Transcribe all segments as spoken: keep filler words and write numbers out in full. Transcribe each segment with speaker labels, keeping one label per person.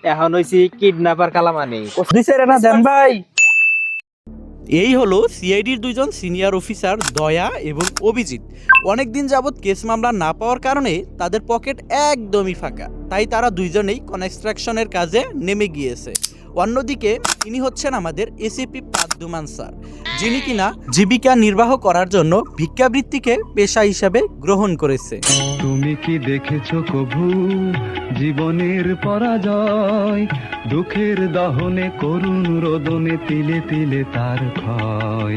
Speaker 1: এখন হইছি কিডন্যাপার কালামানি।
Speaker 2: দিছে রে না দেন ভাই।
Speaker 3: এই হলো সিআইডির দুইজন সিনিয়র অফিসার দয়া এবং অভিজিৎ। অনেকদিন যাবৎ কেস মামলা না পাওয়ার কারণে তাদের পকেট একদমই ফাঁকা, তাই তারা দুইজনেই কনস্ট্রাকশনের কাজে নেমে গিয়েছে। অন্যদিকে ইনি হচ্ছেন আমাদের এসিপি পাদ্দুমান স্যার, যিনি কিনা জীবিকা নির্বাহ করার জন্য ভিক্ষাবৃত্তিকে পেশা হিসাবে গ্রহণ করেছে।
Speaker 4: তুমি কি দেখেছো কভু জীবনের পরাজয়, দুঃখের দহনে করুণ রোদনে তিলে তিলে তার ক্ষয়।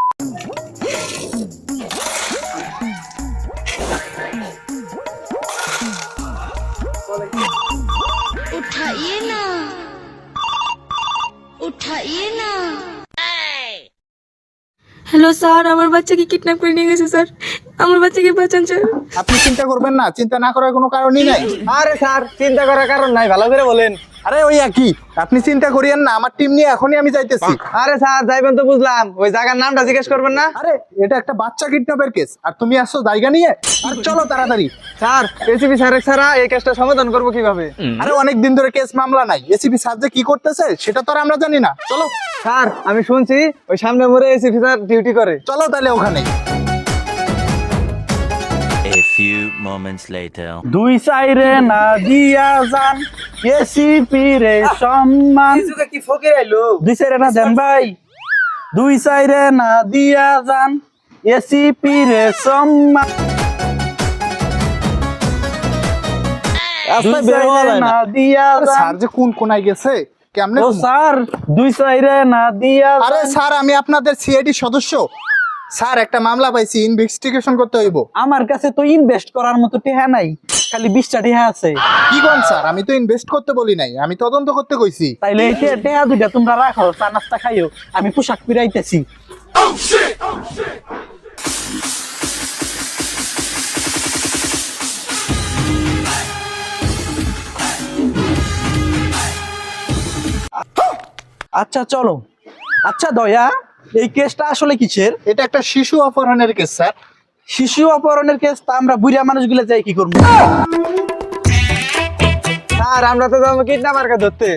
Speaker 5: उठाइए ना उठाइए ना।
Speaker 6: হ্যালো স্যার, আমার বাচ্চাকে কিডন্যাপ করে নিয়ে গেছে স্যার। আমার বাচ্চাকে বাঁচান স্যার।
Speaker 7: আপনি চিন্তা করবেন না, চিন্তা না করার কোনো কারণই নাই।
Speaker 2: আরে স্যার, চিন্তা করার কারণ নাই, ভালো করে বলেন।
Speaker 7: আরে ওই একই, আপনি চিন্তা করিয়েন না, আমার টিম নিয়ে এখনই আমি যাইতেছি।
Speaker 2: আরে স্যার যাইবেন তো বুঝলাম, ওই জায়গার নামটা জিজ্ঞেস করবেন না?
Speaker 7: আরে এটা একটা বাচ্চা কিডন্যাপের কেস, আর তুমি আসছো জায়গা নিয়ে। আর চলো তাড়াতাড়ি।
Speaker 2: স্যার, এসিপি স্যার ছাড়া এই কেসটা সমাধান করবো কিভাবে?
Speaker 7: আরে অনেক দিন ধরে কেস মামলা নাই, এসিপি স্যার যে কি করতেছে সেটা তো আর আমরা জানি না। চলো
Speaker 2: স্যার, আমি শুনছি ওই সামনে মোড়ে এসিপি স্যার ডিউটি করে।
Speaker 7: চলো তাহলে ওখানে।
Speaker 8: A few moments later.
Speaker 3: দুই সাইরে না দিয়া যান এসিপি রে সম্মান।
Speaker 2: কি ফকির আইলো?
Speaker 3: দুই সাইরে না দেন ভাই। দুই সাইরে না দিয়া যান এসিপি রে সম্মান। দুই সাইরে না দিয়া
Speaker 7: আরে
Speaker 3: যান।
Speaker 7: স্যার যে কোন কোনায় গেছে কেমনে?
Speaker 3: ও স্যার, দুই সাইরে না দিয়া যান।
Speaker 7: আরে স্যার, আমি আপনাদের সিআইডি সদস্য। স্যার একটা মামলা পাইছি, ইনভেস্টিগেশন করতে হইব।
Speaker 3: আমার কাছে তো ইনভেস্ট করার মতো টেহা নাই, খালি বিশটা টেহা আছে।
Speaker 7: কি কোন স্যার, আমি তো ইনভেস্ট করতে বলি নাই, আমি তদন্ত করতে কইছি।
Speaker 3: তাইলে এই টে- টেহা দুইটা তোমরা রাখো, চা নাস্তা খাইও, আমি পোশাক পিরাইতেছি। আচ্ছা চলো। আচ্ছা দয়া, এই কেসটা আসলে কিসের?
Speaker 7: এটা একটা শিশু অপহরণের কেস স্যার।
Speaker 3: শিশু অপহরণের কেস, তা আমরা বুড়া মানুষগুলো যাই কি করবো?
Speaker 2: স্যার, আমরা তো যাবো কিডন্যাপারকে ধরতে।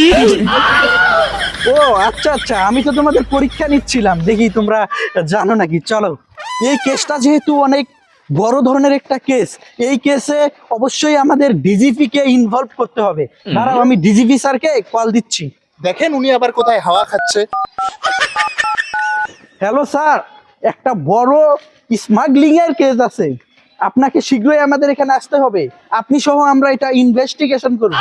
Speaker 3: ও আচ্ছা আচ্ছা, আমি তো তোমাদের পরীক্ষা নিচ্ছিলাম, দেখি তোমরা জানো নাকি। চলো, এই কেসটা যেহেতু অনেক বড় ধরনের একটা কেস, এই কেসে অবশ্যই আমাদের ডিজিপি কে ইনভলভ করতে হবে। দাঁড়াও, আমি ডিজিপি স্যারকে কল দিচ্ছি।
Speaker 7: দেখেন উনি আবার কোথায় হাওয়া খাচ্ছে।
Speaker 3: হ্যালো স্যার, একটা বড় স্মাগলিং এর কেস আছে, আপনাকে শীঘ্রই আমাদের এখানে আসতে হবে। আপনি সহ আমরা এটা ইনভেস্টিগেশন করব।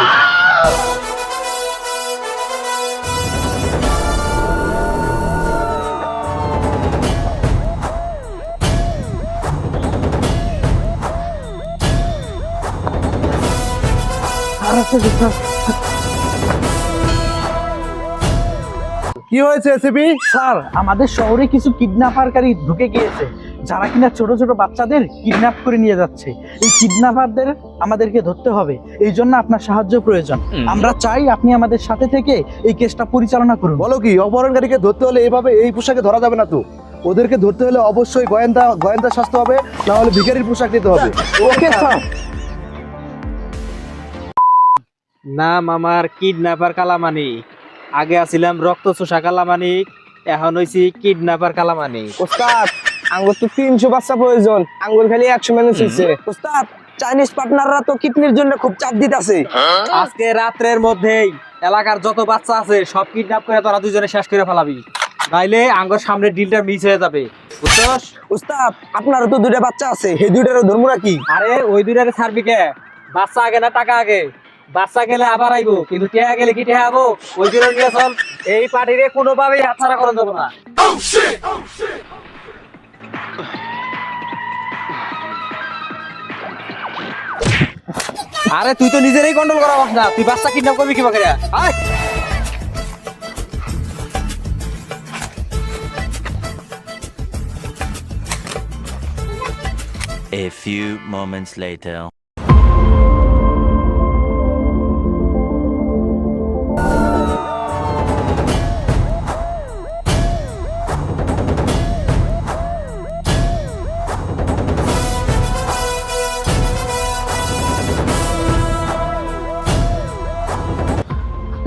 Speaker 7: কি হয়েছে এসিপি?
Speaker 3: স্যার, আমাদের শহরে কিছু কিডন্যাপারকারী ঢুকে গিয়েছে, যারা কিনা ছোট ছোট বাচ্চাদের কিডন্যাপ করে নিয়ে যাচ্ছে। এই কিডন্যাপারদের আমাদেরকে ধরতে হবে, এই জন্য আপনার সাহায্য প্রয়োজন। আমরা চাই আপনি আমাদের সাথে থেকে এই কেসটা পরিচালনা করুন।
Speaker 9: বলো কি, অপহরণকারীকে ধরতে হলে এভাবে এই পোশাকে ধরা যাবে না তো। ওদেরকে ধরতে হলে অবশ্যই গোয়েন্দা গোয়েন্দা সাজতে হবে, না হলে ভিখারির পোশাক নিতে হবে।
Speaker 3: Okay sir.
Speaker 1: নাম আমার কিডন্যাপার কালামানি। আগে আছিলাম রক্ত চোষা কালামানি, এখন হইছি কিডন্যাপার কালামানি।
Speaker 2: ওস্তাদ, আঙ্গুর তো তিনশো বাচ্চা প্রয়োজন, আঙ্গুর খালি একশো মানুষ হয়েছে। ওস্তাদ, চাইনিজ পার্টনাররা তো কিডনির জন্য খুব চাপ দিতেছে।
Speaker 1: আজকে রাত্রের মধ্যেই এলাকার যত বাচ্চা আছে সব কিডন্যাপ করে তোরা দুজনে শেষ করে ফেলাবি, নাইলে আঙ্গুর সামনে ডিলটা মিস হয়ে যাবে, বুঝছস?
Speaker 2: ওস্তাদ, আপনারও তো দুইটা বাচ্চা আছে, এই দুইটারও ধর্ম নাকি?
Speaker 1: আরে ওই দুইটারে ছাড়বি কে? বাচ্চা আগে না টাকা আগে? বাচ্চা গেলে আবার আইবো, কিন্তু টেহা গেলে কি টেহা আবো? ওই দুটো নিয়ে চল। এই পার্টিরে কোনোভাবেই হাতছাড়া করা যাবে না। আরে তুই তো নিজেরই কন্ট্রোল করা পারছ না, তুই বাচ্চা কিডন্যাপ করবি কিভাবে? আয়
Speaker 8: A few moments later.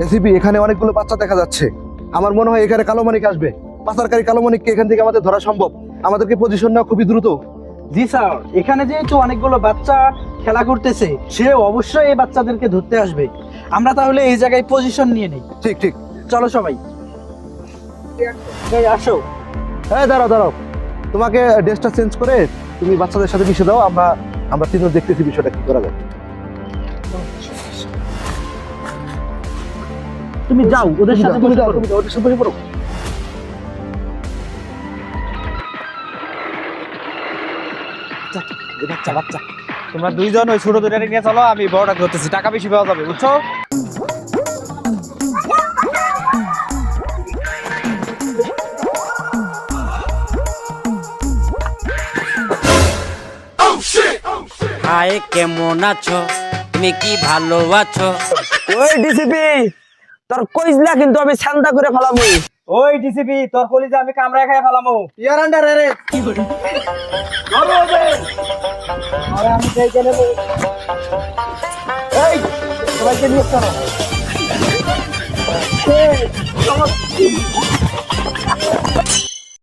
Speaker 9: ACP, এখানে অনেকগুলো বাচ্চা দেখা যাচ্ছে। আমার মনে হয় এখানে কালো মানিক আসবে। পাচারকারী কালো মানিককে এখান থেকে আমাদের ধরা সম্ভব। আমাদেরকে পজিশন নেওয়া খুবই দ্রুত।
Speaker 3: জি স্যার, এখানে যেহেতু অনেকগুলো বাচ্চা খেলা করতেছে, সে অবশ্যই এই বাচ্চাদেরকে ধরতে আসবে। আমরা তাহলে এই জায়গায় পজিশন নিয়ে নেই।
Speaker 9: ঠিক ঠিক।
Speaker 3: চলো সবাই, এই আসো।
Speaker 9: হ্যাঁ, দাঁড়াও দাঁড়াও, তোমাকে ড্রেসটা চেঞ্জ করে তুমি বাচ্চাদের সাথে মিশে দাও। আমরা আমরা তিনজন দেখতেছি বিষয়টা কি করা যায়।
Speaker 3: তুমি যাও ওদের
Speaker 9: তুমি
Speaker 3: সাথে
Speaker 9: যাও, তুমি
Speaker 3: বসে
Speaker 9: যাও,
Speaker 3: পড়ো।
Speaker 9: তুমি যাও, ওদের সাথে বসে পড়ো।
Speaker 1: বাচ্চা বাচ্চা তোমরা দুইজন ওই ছোট দুটারে নিয়ে চলো, আমি বড়টা ধরতেছি, টাকা বেশি পাওয়া যাবে, বুঝছো?
Speaker 10: হাই কেমন আছো, তুমি কি ভালো আছো?
Speaker 2: ওই ডিসিপি, তোর কইজলা কিন্তু আমি ছান্দা করে ফেলামু।
Speaker 1: ওই ডিসিপি, তোর কলিজা আমি কামড়ায় খাই ফেলামো। ইয়ার আন্ডার রে কি বলি? ধরো ওদের। আরে আমি দেখে নেব। এই সবাইকে নিয়ে চলো। এই, চলো।